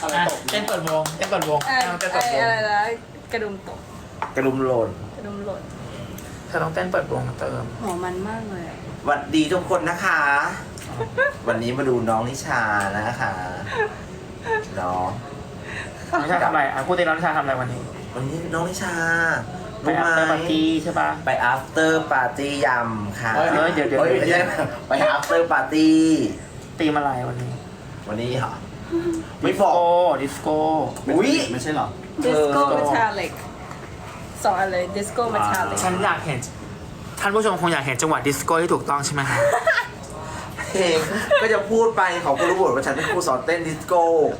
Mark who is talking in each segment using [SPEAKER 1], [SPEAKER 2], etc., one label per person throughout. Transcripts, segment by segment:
[SPEAKER 1] อะไรตก
[SPEAKER 2] เต้นเปิดวงเต้นเปิดวงเอาเต้นเปิดวง
[SPEAKER 3] อะไรนะกระดุมตก
[SPEAKER 4] กระดุมหล่น
[SPEAKER 3] กระดุมหล่น
[SPEAKER 2] เธอต้องเต้นเปิดวงเติม
[SPEAKER 3] หัวมันมากเลยอะ
[SPEAKER 4] สวัสดีทุกคนนะคะ วันนี้มาดูน้องนิชานะคะน้อง
[SPEAKER 2] นิชาทำอะไรอ่ะพูดตีน้องนิชาทำอะไรวันนี้
[SPEAKER 4] วันนี้น้องนิชา
[SPEAKER 2] ไปอัพเตอร์ปาร์ตี้ใช่ปะ
[SPEAKER 4] ไป after party ยำค่ะ
[SPEAKER 2] เฮ้ยเดี๋ยว
[SPEAKER 4] ไม่ใช่ไป after party
[SPEAKER 2] ตีมอะไรวันนี้
[SPEAKER 4] วันนี้เหรอไม่บอก
[SPEAKER 2] ดิสโก้
[SPEAKER 4] อุ้ย
[SPEAKER 1] ไม่ใช่หรอ
[SPEAKER 3] ดิสโก้เมทัลลิกสองอันเลยดิสโก้เมทัลลิก
[SPEAKER 2] ฉันอยากเห็นท่านผู้ชมคงอยากเห็นจังหวะดิสโก้ที่ถูกต้องใช่ไหมคะ
[SPEAKER 4] เพลงก็จะพูดไปเขาก็รู้หมดว่าฉันเป็นครูสอนเต้นดิสโก้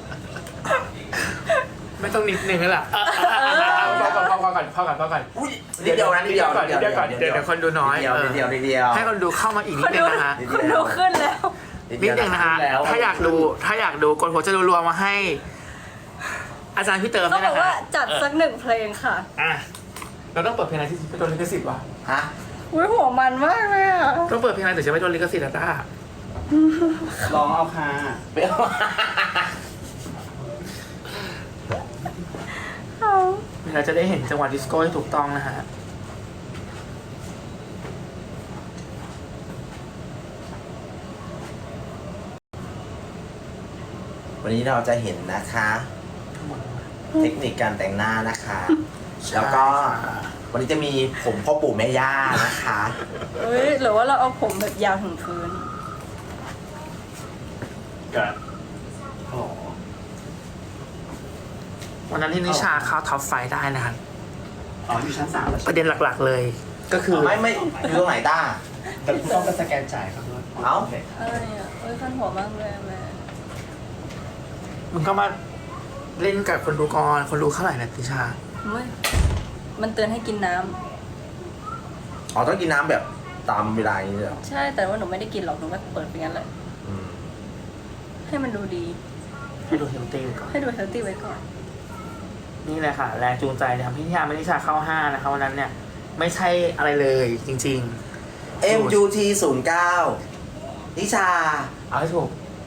[SPEAKER 2] ไม่ต้องนิดนึงแล้วล่ะพอก่อน
[SPEAKER 4] อุ้ยนิดเดียวนะนิดเดียว
[SPEAKER 2] เดี๋ยวคนดูน้อย
[SPEAKER 4] นิดเดียว
[SPEAKER 2] ให้คนดูเข้ามาอีกนิดนึงนะคะ
[SPEAKER 3] คุณดูขึ้นแล้ว
[SPEAKER 2] นิดนึงนะคะถ้าอยากดูกดหัวจะรัวๆมาให้ อาจารย์พี่เติม
[SPEAKER 3] เขา
[SPEAKER 2] ด้วย
[SPEAKER 3] บอ
[SPEAKER 2] นะ
[SPEAKER 3] กว่า
[SPEAKER 2] คะ
[SPEAKER 3] จัดสักหนึ่งเพลงค่ะ
[SPEAKER 2] อ่ะเราต้องเปิดเพลงอะไรที่ไม่โดนลิขสิทธิ์วะ
[SPEAKER 4] ฮะ
[SPEAKER 3] อุ้ยหัวมันมากเลยอ่ะ
[SPEAKER 2] ต้องเปิดเพลงอะไรถึงจะไม่โดนลิขสิทธิ์อะต้า
[SPEAKER 1] ลองเอาค่ะ
[SPEAKER 4] เปรี้ยว
[SPEAKER 2] เราจะได้เห็นจังหวะดิสโก้ที่ถูกต้องนะฮะ
[SPEAKER 4] วันนี้เราจะเห็นนะคะ เทคนิคการแต่งหน้านะคะ แล้วก็วันนี้จะมีผมพ่อปู่แม่ย่านะคะ
[SPEAKER 3] เฮ้ยหรือว่าเราเอาผมแบบยาวถึงพื้น
[SPEAKER 1] กับอ๋อ
[SPEAKER 2] วันนั้นที่นิชาเข้าท็อปไฟว์ได้นะครับ
[SPEAKER 1] อ๋ออยู่ชั้น 3 แล้ว
[SPEAKER 2] ประเด็นหลักๆเลย ก็คือ
[SPEAKER 4] ไม่อยู่ตรงไหนต้า
[SPEAKER 1] แต่ต้องไปสแกนจ่ายครับด้วย
[SPEAKER 4] เอ้า
[SPEAKER 3] อะไรอ่ะเอ้ยคันหัวมากเลยอะแม่
[SPEAKER 2] มึงก็มาเล่นกับคนดูก่อนคนดูเท่าไหร่นะนิชา
[SPEAKER 3] เฮ้ยมันเตือนให้กินน้ำ
[SPEAKER 4] อ๋อต้องกินน้ำแบบตามเวลาอย่างนี้เลยเหรอ
[SPEAKER 3] ใช่แต่ว่าหนูไม่ได้กินหรอกหนูก็เปิดไปงั้นแหละ
[SPEAKER 4] อืม
[SPEAKER 3] ให้มันดูดี
[SPEAKER 2] ให้ดูเฮลตี้ก่อน
[SPEAKER 3] ให้ดูเฮลตี้ไว้ก่อน
[SPEAKER 2] นี่แหละค่ะ แรงจูงใจทำให้นิชาไม่นิชาเข้า5นะคะวันนั้นเนี่ย ไม่ใช่อะไรเลยจริง
[SPEAKER 4] MUT 09นิชา
[SPEAKER 2] ๆ เอาให้ถูก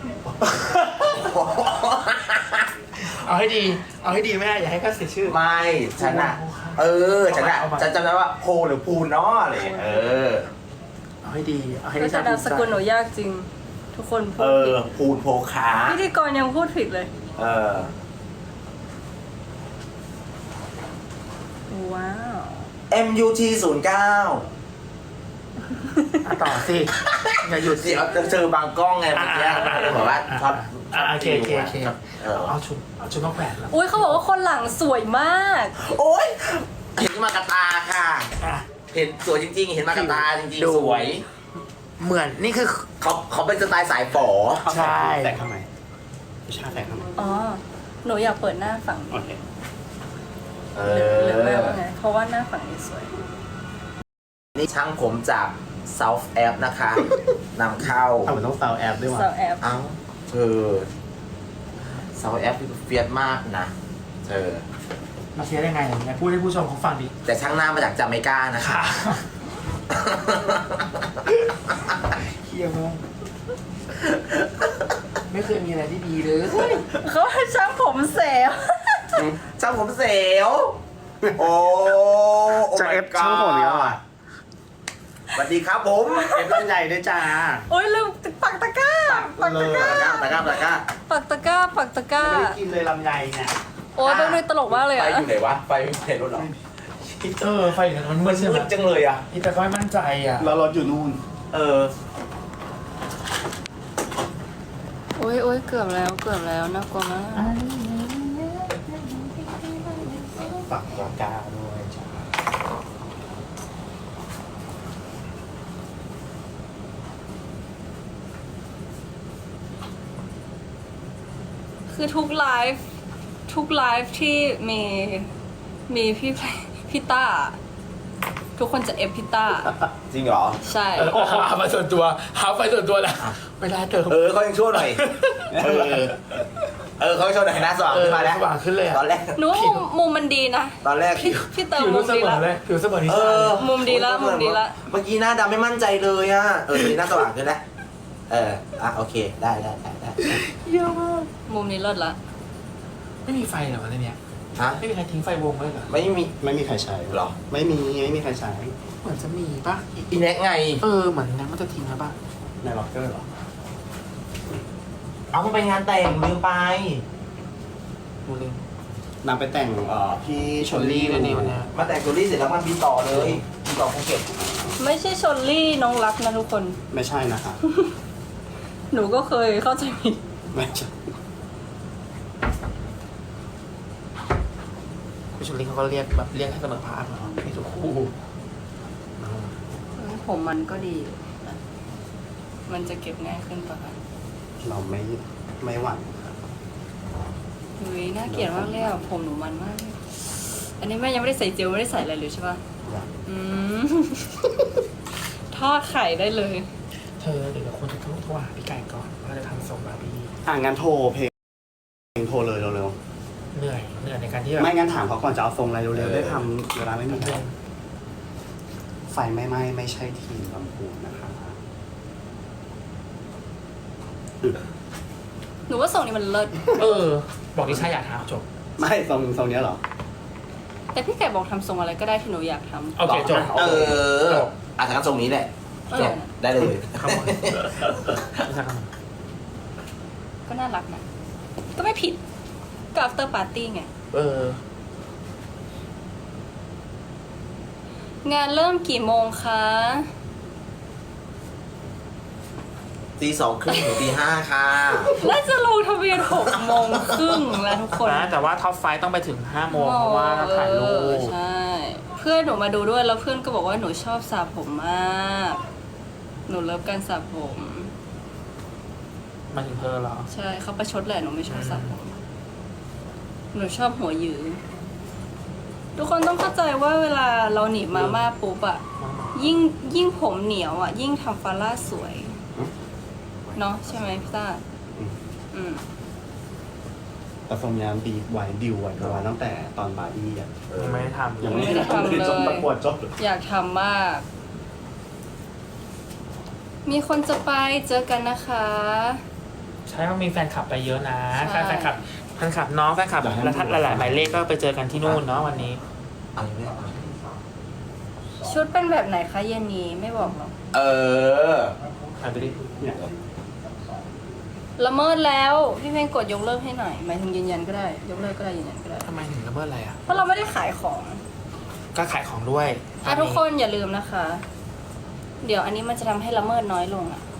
[SPEAKER 2] เอาให้ดีแม่อย่าให้เขาเสียชื่อ
[SPEAKER 4] ไม่ฉันอะฉันจำได้ว่าโพหรือพูนเนาะอะไรอย่างเงี้ย
[SPEAKER 2] เอาให้ดีเอาให้
[SPEAKER 3] ก็
[SPEAKER 2] นิ
[SPEAKER 3] จะ
[SPEAKER 2] ชาน
[SPEAKER 3] ามสกุลหนูยากจริง ทุกคนพูดผิด
[SPEAKER 4] พูนโพขา
[SPEAKER 3] พิธีกรยังพูดผิดเลย ว้าว
[SPEAKER 4] MUT 09
[SPEAKER 2] ต่อสิอย่าหยุดสิ
[SPEAKER 4] เดี๋ยวจะเจอบางกล้องไงเมื่อกี้บอกว่าช็อต
[SPEAKER 2] โอเคเอาชุดมาแขวนแล้ว
[SPEAKER 3] อุ้ยเขาบอกว่าคนหลังสวยมาก
[SPEAKER 4] โอ๊ยเห็นมากระตาค่ะ
[SPEAKER 2] อ่ะ
[SPEAKER 4] เห็นสวยจริงๆ เห็นมากระตาจริง
[SPEAKER 2] ดู
[SPEAKER 4] ๆ สวย
[SPEAKER 2] เหมือนนี่คือ
[SPEAKER 4] เขาเป็นสไตล์สายฝอ
[SPEAKER 2] ใช่
[SPEAKER 1] แต่ทำไมวิชาแต่ทำไม
[SPEAKER 3] อ๋อ หนูอยากเปิดหน้าฝั่ง
[SPEAKER 1] โอเค
[SPEAKER 3] หรือไม่ว่าไง เพราะว่าหน้าฝั่งนี้สวย
[SPEAKER 4] นี่ช่างผมจาก South App นะคะนำเข้า
[SPEAKER 1] เอามันต้องซาวแอปด้วยว่ะ
[SPEAKER 3] สาวแอป
[SPEAKER 4] เอ้าเธอ South App คือเฟียสมากนะเธอ
[SPEAKER 2] มาเชียร์ได้ไงไหนพูดให้ผู้ชมเขาฟังดิ
[SPEAKER 4] แต่ช่างหน้ามาจากจาเมกานะคะ
[SPEAKER 2] เฮียมากไม่เคยมีอะไรที่ดีเลย
[SPEAKER 3] เขาให้ช่างผมเสีย
[SPEAKER 4] ช่างผมเสียว โอ้
[SPEAKER 1] จะเอฟช่างผมอีกแล้วอ่ะ
[SPEAKER 4] สวัสดีครับผม
[SPEAKER 1] เอฟต้นใหญ่ด้วยจ้า
[SPEAKER 3] โอ้ยลืมปักตะกร้า ปักตะกร้า
[SPEAKER 4] ตะกร้า
[SPEAKER 3] ปักตะกร้า ปักตะกร้า
[SPEAKER 1] ไม่ได้กินเลยลำไยเนี่ย
[SPEAKER 3] โอ้ยเป็นตลกมากเลย
[SPEAKER 4] ไฟ
[SPEAKER 3] อะ
[SPEAKER 4] อยู่ไหนวะ ไฟไม่เห็นรถหรอ
[SPEAKER 2] ไฟอย่างนั้นมันมืดใช่ไหม
[SPEAKER 4] มืดจังเลยอ่ะ
[SPEAKER 2] นี่แต่ก็ไม่มั่นใจอ่ะ
[SPEAKER 1] แล้วรถอยู่นู่น
[SPEAKER 3] โอ้ยเกือบแล้วน่ากลัวมาก
[SPEAKER 1] ปักราคาด้วยจ้า
[SPEAKER 3] คือทุกไลฟ์ที่มีพี่ต้า ทุกคนจะเอฟพี่ต้า
[SPEAKER 4] จริงเหรอ
[SPEAKER 3] ใช่
[SPEAKER 2] โอ้โหหามาส่วนตัวหาไฟส่วนตัวแล้วไม่ได้เติม
[SPEAKER 4] เขายังชั่วหน่อย เขายังชั่วหน่อยนะสว่างขึ้นมาแล้ว
[SPEAKER 2] สว่างขึ้นเลย
[SPEAKER 4] ตอนแรก
[SPEAKER 3] หนูว่ามุมมันดีนะ
[SPEAKER 4] ตอนแรก
[SPEAKER 3] พี่เติม
[SPEAKER 2] ผิว
[SPEAKER 3] มุ
[SPEAKER 2] รู้
[SPEAKER 3] ม
[SPEAKER 2] เส
[SPEAKER 3] ดี
[SPEAKER 2] มอ
[SPEAKER 3] ละ
[SPEAKER 2] เลยผิวเสมอนิ
[SPEAKER 4] เอ
[SPEAKER 2] ชา
[SPEAKER 4] อ
[SPEAKER 3] มุมดีละ
[SPEAKER 4] เมื่อกี้หน้าดำไม่มั่นใจเลยอ่ะ ตอนนี้หน้าสว่างขึ้นแล้วโอเค ได้
[SPEAKER 2] เยอะมาก
[SPEAKER 3] มุมนี้เลิศละ
[SPEAKER 2] ไม่มีไฟเหรอในเนี้ย
[SPEAKER 4] ฮะ
[SPEAKER 2] ไม่มีใครทิ้งไฟวงไว้เหรอ
[SPEAKER 4] ไม่มี
[SPEAKER 1] ไม่มีใครใช้
[SPEAKER 4] หรอ
[SPEAKER 1] ไม่มีใครใช้
[SPEAKER 2] เหมือนจะมีปะ
[SPEAKER 4] อีแน็กไง
[SPEAKER 2] เหมือนนั้นมันจะทิ้งแล้วปะ
[SPEAKER 1] ในล็อกเกอร์เหรอ
[SPEAKER 4] เอามันไปงานแต่งลืมไป
[SPEAKER 2] ดูเลย
[SPEAKER 1] นำไปแต่งพี่ชลลี่
[SPEAKER 2] เลยนี่วันเนี้ย
[SPEAKER 4] มาแต่งตัวนี้เสร็จแล้วมันบินต่อเลยบินต่อภูเก็ต
[SPEAKER 3] ไม่ใช่ชลลี่น้องรักนะทุกคน
[SPEAKER 1] ไม่ใช่นะคะ
[SPEAKER 3] หนูก็เคยเข้าใจผิด
[SPEAKER 1] ไม่ใช่
[SPEAKER 2] พี่ชลลี่เขาก็เรียกแบบเรียกให้เสมอภาคเหรอพี่สุคู่
[SPEAKER 3] ผมมันก็ดีอยู่นะมันจะเก็บง่ายขึ้นปะคะ
[SPEAKER 1] เราไม่หวั่นครับ
[SPEAKER 3] หุยน่าเกลียดมากเลยอ่ะผมหนูมันมากเลยอันนี้แม่ยังไม่ได้ใส่เจลไม่ได้ใส่อะไรเลยใช่ปะ
[SPEAKER 1] อยาก
[SPEAKER 3] อืม ทอดไข่ได้เลย
[SPEAKER 2] เธอเดี๋ยวคนจะโทรหาพี่ไก่ก่อนว่าจะทำส่งบาร์บี้
[SPEAKER 1] งั้นโทรเพลงโทรเลยเร็ว
[SPEAKER 2] เหนื่อยในการที่แบ
[SPEAKER 1] ๆ
[SPEAKER 2] บ
[SPEAKER 1] ไม่งั้นถามเขาก่อนจะเอาทรงอะไรเร็วๆได้ทำเวลาไม่มีใครไฟไม่ไหม้ไม่ใช่ทีมลำพูนนะคะ
[SPEAKER 3] หนูว่าทรงนี้มันเลิศ
[SPEAKER 2] บอกดิฉันอยากทำจบ
[SPEAKER 1] ไม่ทรงเนี้ยเหรอ
[SPEAKER 3] แต่พี่ไก่บอกทำทรงอะไรก็ได้ที่หนูอยากทำ
[SPEAKER 2] โอเคจบ
[SPEAKER 4] เอออาจจะทรงนี้แหละ
[SPEAKER 3] เอ
[SPEAKER 4] จ
[SPEAKER 3] อบ
[SPEAKER 4] ได้เลย
[SPEAKER 2] ขโมยไม่ใช่ขโมย
[SPEAKER 3] ก็น่ารักนะ ก็ไม่ผิด ก็ after party ไง งานเริ่มกี่โมงคะ
[SPEAKER 4] 2:30 ถึง 5:00 ค่ะ
[SPEAKER 3] น่าจะลงทะเบียน6 โมงครึ่งแล้วทุกคน
[SPEAKER 2] นะแต่ว่าท็อปไฟต้องไปถึง5 โมงเพราะว่าต้องถ่ายรูป
[SPEAKER 3] ใช่ เพื่อนหนูมาดูด้วยแล้วเพื่อนก็บอกว่าหนูชอบสระผมมาก หนูเลิฟการสระผม
[SPEAKER 2] มาถึงเธอเหรอ
[SPEAKER 3] ใช่เขาประชดแหละหนูไม่ชอบสระผม หนูชอบหัวหยือ ทุกคนต้องเข้าใจว่าเวลาเราหนีบมาม่าปุ๊บอะยิ่งผมเหนียวอะยิ่งทำฟาร่าสวย เนาะใช่ไหมพี่ต้า อืม
[SPEAKER 1] แต่ทรงนี้ดีไว้ดิวไว้ประมาณตั้งแต่ตอนบาร์บี้อ่ะ
[SPEAKER 2] ยังไม่ได้ทำ
[SPEAKER 1] ยังไม่ได้
[SPEAKER 3] ทำเลย
[SPEAKER 1] จนประกวดจบ
[SPEAKER 3] อยากทำมาก มีคนจะไปเจอกันนะคะ
[SPEAKER 2] ใช่ว่ามีแฟนคลับไปเยอะนะ
[SPEAKER 3] ใช่
[SPEAKER 2] แฟนคลับน้องแฟนคลับและทัดหลายๆหมายเลขก็ไปเจอกันที่นู่นเนาะวันนี้
[SPEAKER 4] อะไรเนี่ย
[SPEAKER 3] ชุดเป็นแบบไหนคะเย็นนี้ไม่บอกหรอก
[SPEAKER 4] เออ
[SPEAKER 2] ถ่ายไปดิ
[SPEAKER 1] เนี่ย
[SPEAKER 3] ละเมิดแล้ว พี่เพลงกดยกเลิกให้หน่อยหมายถึงยืนยันก็ได้ ยกเลิกก็ได้ยืนยันก็ได้
[SPEAKER 2] ทำไมถึงละเมิดอะไรอ่ะ
[SPEAKER 3] เพราะเราไม่ได้ขายของ
[SPEAKER 2] ก็ขายของด้วย
[SPEAKER 3] ทุกคนอย่าลืมนะคะ เดี๋ยวอันนี้มันจะทำให้ละเมิดน้อยลงอ่ะ